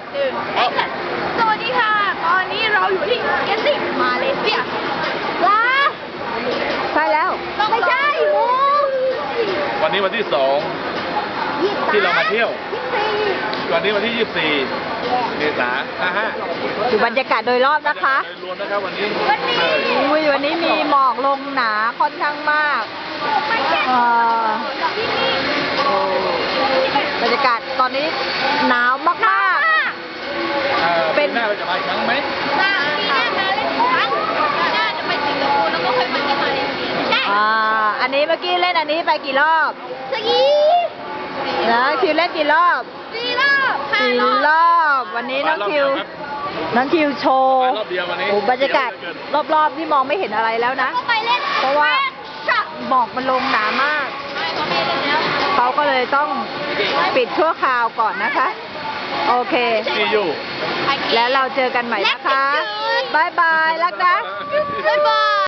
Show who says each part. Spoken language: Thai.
Speaker 1: สวัสดีค่ะ ตอนนี้เราอยู่ที่เกสซิ่งมาเลเซียว้า
Speaker 2: ใช่แล้ว
Speaker 1: ไม่ใช่มู
Speaker 3: วันนี้วันที่ 2 ที่เรามาเที่ยว วันนี้วันที่ 24 เมษายน
Speaker 2: ดูบรรยากาศโดยรอบนะคะ
Speaker 3: โดยรวมนะครับวันนี้
Speaker 2: อุ้ยวันนี้มีหมอกลงหนาค่อนข้างมากบรรยากาศตอนนี้หนาวมากๆ
Speaker 3: เป็นหน้าเราจะมาอีกครั้งไหม
Speaker 1: มาปีหน้ามาเล่นครั้งน่าจะไปสิงคโปร์แล้วก็ค่อยมาที่มาเลเซียใช่
Speaker 2: อันนี้เมื่อกี้เล่นอันนี้ไปกี่รอบ
Speaker 1: สกี
Speaker 2: นะคิวเล่นกี่รอบ
Speaker 1: 4 รอบ
Speaker 2: สี่รอบ วันนี้น้องคิวโชว์
Speaker 3: รอบเดียววันนี้
Speaker 2: โอ้บรรยากาศรอบๆที่มองไม่เห็นอะไรแล้วนะ
Speaker 1: ก็ไปเล่น
Speaker 2: เพราะว่าหมอกมันลงหนามาก
Speaker 1: ไม่เขาไม่เล่นแล้ว
Speaker 2: เขาก็เลยต้องปิดชั่วคราวก่อนนะคะ โอเค
Speaker 3: ซียู
Speaker 2: แล้วเราเจอกันใหม่นะคะ บ๊ายบาย รักนะ
Speaker 1: บ๊ายบา